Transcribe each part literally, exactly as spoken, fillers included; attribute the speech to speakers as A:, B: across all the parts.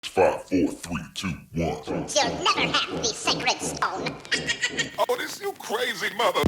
A: Five, four, three, two, one.
B: You'll never have the sacred stone.
A: Oh, this you crazy mother.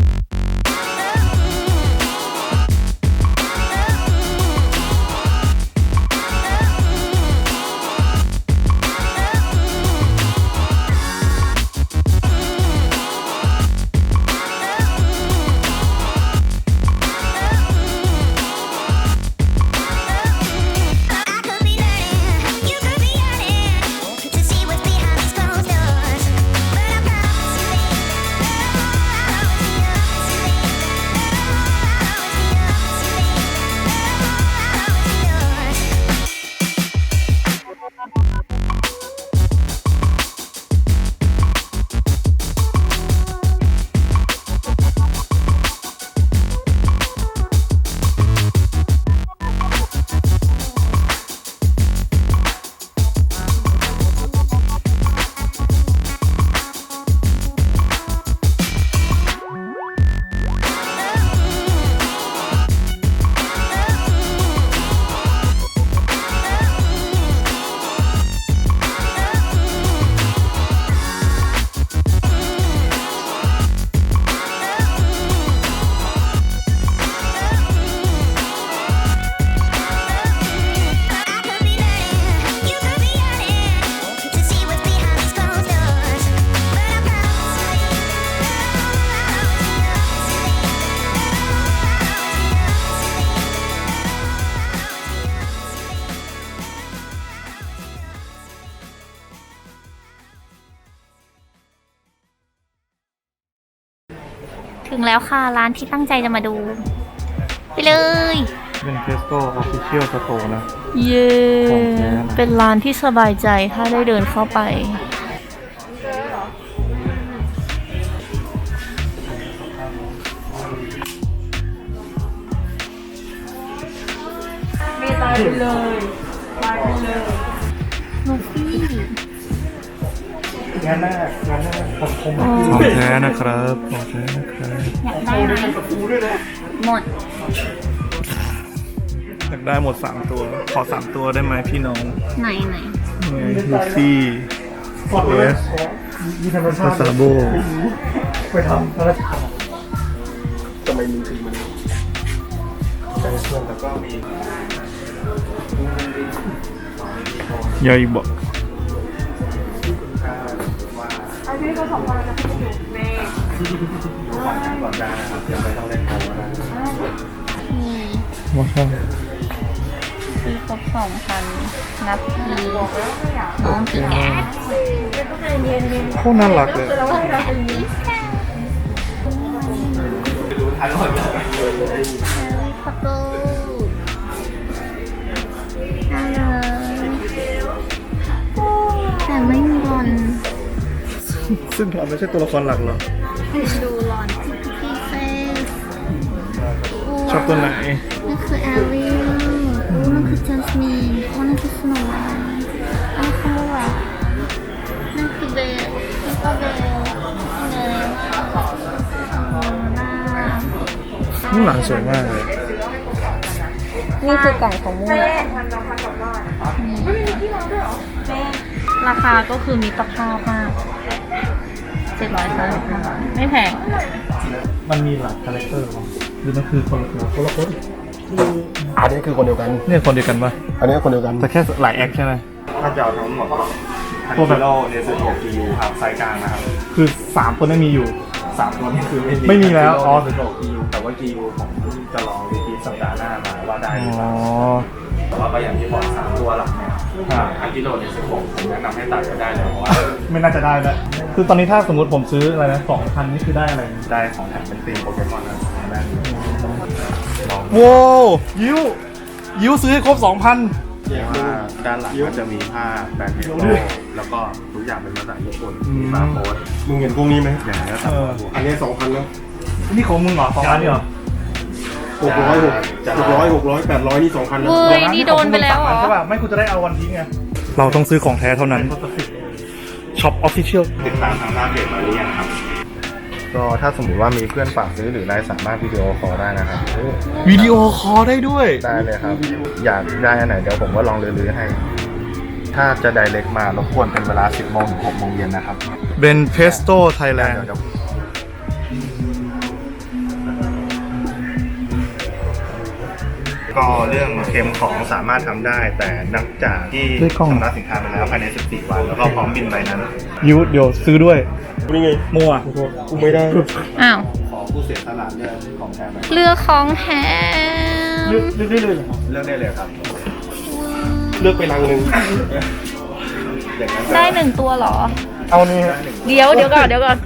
C: ถึงแล้วค่ะร้านที่ตั้งใจจะมาดู ไปเลย
D: เป็นเทสโก้ออฟฟิเชียลสโตร์นะ
C: เย้
D: ของแท้นะ
C: เป็นร้านที่สบายใจถ้าได้เดินเข้าไปไม่ตายไปเลยตายไปเลยลูฟี่
D: งานแรกงานแรกผมคมของแท้นะครับของแท้นะครับ
C: อยากได้ไหมหมด
D: อยากได้หมดสามตัว ขอสามตัวได้ไหมพี่น้อง
C: ไหนไหน
D: ลูฟี่เอสมาซาโบ
E: ไปทำพระราชทานทำไมมีถึงมันใจส่วนแล้วก็มี
D: ยาอีบอก
E: อันนี้ก็สองคนจะพูดอยู่ในก่อนได้นะครับยังไม่ต้องเล่นโกงนะ
D: ว่าใช่
C: คือครบสองพันนับทีน้องกี่แก
D: โคตรน่ารักเลย
E: ทันหมดเลย
C: พับเบิ้ลน่ารักแต่ไม่มีรอน
D: ซึ่งเราไม่ใช่ตัวละครหลักหรอ
C: ดูรอนพี่เฟส
D: ชอบตัวไหน
C: นั่นคือแอริลนั่นคือจัสมินนั่นคือสโนว์ไวท์นั่นคือว่านั่นคือเบลนั่นก็เบลเลยน่า
D: ข้างหลังสวยมากเลย
C: นี่คือไก่ของมูราคาก็คือมีตรภาพมากเจ็ดร้อยสามสิบห้าไม่แพง
D: มันมีหลายคาแรคเตอร์หรือมันคือคนละคนละคน
E: อันนี้คือคนเดียวกัน
D: เนี่ยคนเดียวกันปะ
E: อันนี้คนเดียวกัน
D: แต่แค่หลายแอคใช่ไหม
F: ถ้าจะเอาทั้งหมดฮันกิโลเนสโตกิยูครับไซส์กลางนะครับ
D: คือสามคนนั้นมีอยู่
F: สามตัวนี้คือไม่มี
D: ไม่มีแล้วอ๋อ
F: เนสโตกิยูแต่ว่ากิยูผมจะลองรีพีทสัปดาห์หน้ามาว่าได้หรือเป
D: อ๋อ
F: ล่าแต่ว่าก็อย่างที่บอกสามตัวหลักเนี่ยฮันกิโลเนสโตผมแนะนำให้ตัดก็ได้เลยเพราะว่า
D: ไม่น่าจะได้แล้วคือตอนนี้ถ้าสมมติผมซื้ออะไรนะสองพันนี่คือได้อะไร
F: ได้ของแถมเป็นธีมโปเกมอนนะได้ลอง
D: โว้ยิ้วยิ้วซื้อให้ครบสองพัน
F: ว่าด้านหลังก็จะมีผ้าแบรนด์เฮโร่แล้วก็ทุกอย่างเป็นภาษาญี่ปุ่นมีบาร์โค้ด
E: มึงเห็นพวกนี้ไหม
F: อย่างนี้ครั
D: เอบ อ
E: อันนี้สองพันแล้ว
D: นี่ของมึงเหรอสองพันนี่เหรอ
E: หกร้อยหกหกร้อยหกร้อยแปดร้อยนี่สองพันแล้ว
C: เว้ยนี่โดนไปแล้วเหรอ
D: ใช่ป่ะไม่คุณจะได้เอาวันทิ้งไงเราต้องซื้อของแท้เท่านั้นช็อปออฟฟิเชียล
F: ติดตามทางหน้าเพจมาหรือยังครับ
E: ก็ถ้าสมมติว่ามีเพื่อนฝากซื้อหรืออะไรสามารถวิดีโอคอลได้นะครับ
D: วิดีโอคอลได้ด้วย
E: ได้เลยครับ อยากได้อันไหนเดี๋ยวผมก็ลองลื้อๆให้
F: ถ้าจะ direct มารบกวนเป็นเวลา สิบโมงถึงหกโมงเย็นนะครับ
D: เบนเพสโต้ไทยแลนด์
F: เดี๋ยว ก็เรื่องเค็มของสามารถทำได้ แต่นับจากที่ชำระสินค้าไปแล้วภายใน สิบสี่ วัน แล้วก็พร้อมบินใบนั้น
D: ยูเดี๋ยวซื้อด้วย
E: นี่ไง
D: มั่ว
E: กูไม่ได้
C: อ้าว
F: ขอผู้เสียสละเรื่องของแทนไหม
C: เลือกของแถม
E: เลือกเลือกได้เลยเหรอ
F: เลือกได้เลยครับ
E: เลือกไปรังหนึ่ง
F: อย่างนั้น
C: ได้หนึ่งตัวเหรอ
E: เอานี่ฮะ
C: เดี๋ยวเดี๋ยวก่อนเดี๋ยวก่อน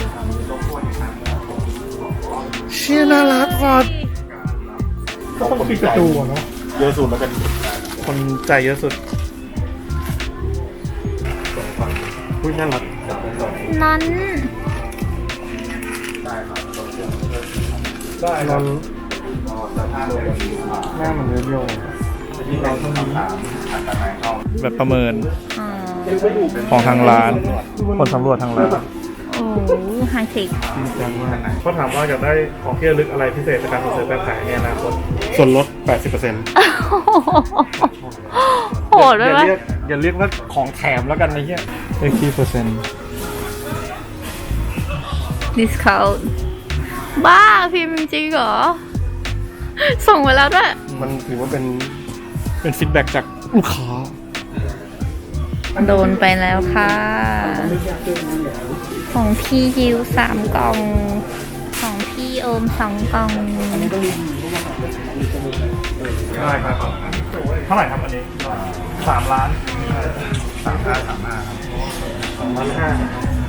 D: เชี่ยน่ารักว่ะ
E: ก็ต้องปิดประตูอะเนาะเยอะสุดแล้วกัน
D: คนใจเยอะสุด
E: อุ้ยน่ารัก
C: นั้น
E: ได้ครับหน้ามันเรียวๆ
F: ที่เราต้องคำถามอัตรายเข้า
D: แบบประเมิน
C: อ๋อ
D: ของทางร้าน คนสำรวจทางร้าน
C: โอ้ไฮเทค
E: จริงจังมาก
D: เขาถามว่าอยากได้ของที่ระลึกอะไรพิเศษจากการส่งเสริมการขายในอนาคต
E: ส่วนลด แปดสิบเปอร์เซ็นต์
C: โหดด้วยะ
D: อย่าวเรียกอย่าเรียกว่าของแถมแล้วกันนะเฮียเอ็กซ์เปอร์เซ็นต์
C: ดิสคาวบ้าพิมพ์จริงเหรอ ส่งไปแล้วด้วย
E: มันถือว่าเป็น
D: เป็นฟีดแบ็กจากลูกค้า
C: โดนไปแล้วค่ะ ของพี่ยิวสามกล่อง ของพี่โอมสองกล่อง
D: ได้ครับ เท่าไหร่ครับอันนี้สามล้าน
F: สามห้าสามห้าครับ
E: สองล้านห้า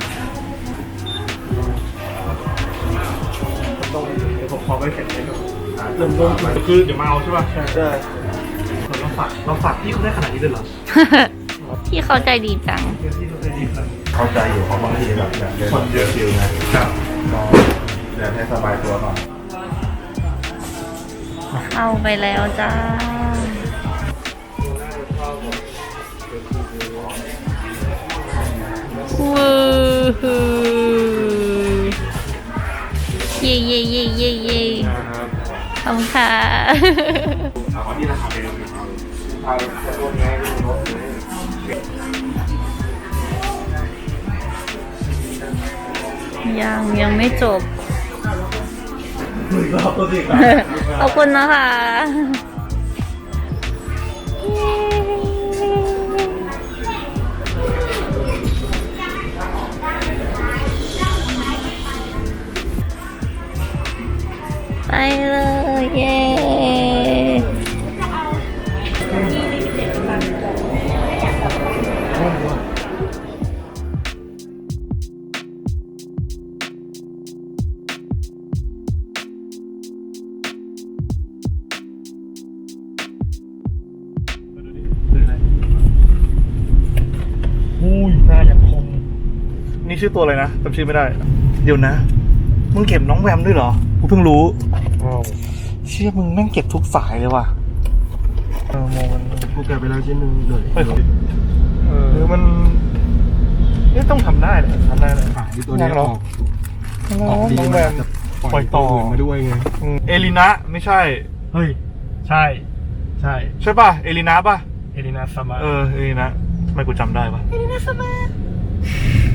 E: ต้องเดี๋ยวผมขอไปเข็นให้ดูเริ่มต้น
D: คือเดี๋ยวมาเอาใช่ป่ะ
E: ใช่
D: เราฝากเราฝากพี่เขาได้ขนาดนี้เลยเหรอ
C: พี่เขาใจดีจัง
D: พี่เขาได้ดีขนาดนี้
F: เข้าใจอยู่เพราะบางทีแบบอยากเดินเยอะคิวนะครับ ก็เดินให้สบายตัวก่อน
C: เข้าไปแล้วจ้า วู้ฮู้เย่เย่เย่เย่เย่ขอบคุณค่ะ
F: เอาที่ราคาไปดูครับเอาจะลดไงลดเลย
C: ยังยังไม่จบ ขอบคุณนะคะไปเลยเย้
D: อุ้ยหน้าอย่างคม นี่ชื่อตัวอะไรนะจำชื่อไม่ได้ เดี๋ยวนะ มึงเก็บน้องแวมด้วยเหรอ กูเพิ่งรู้
E: อ้าว
D: เชี่ยมึงแม่งเก็บทุกสายเลยว่ะ
E: เออโมมันกูแกะไปแล้วชิ้นหนึ่งเลย
D: เฮ้ย
E: เออหรือมันนี่ต้องทำได้เลยทำได้เลยขายตัวนี้ออกออกดี
D: น้อง
E: มัน
D: แว
E: อาจ
D: ม
E: จะ
D: ปล่อยต่อ
E: ตัวอื่นมาด้วยไง
D: อืมเอลินะไม่ใช่
E: เฮ้ย ใช่ ใช่
D: ใช่ป่ะ เอลินะป่ะ
E: เอลินาสมา
D: เออ เอลินะทำไมกูจำได้ป่ะ
C: เอลินาสมา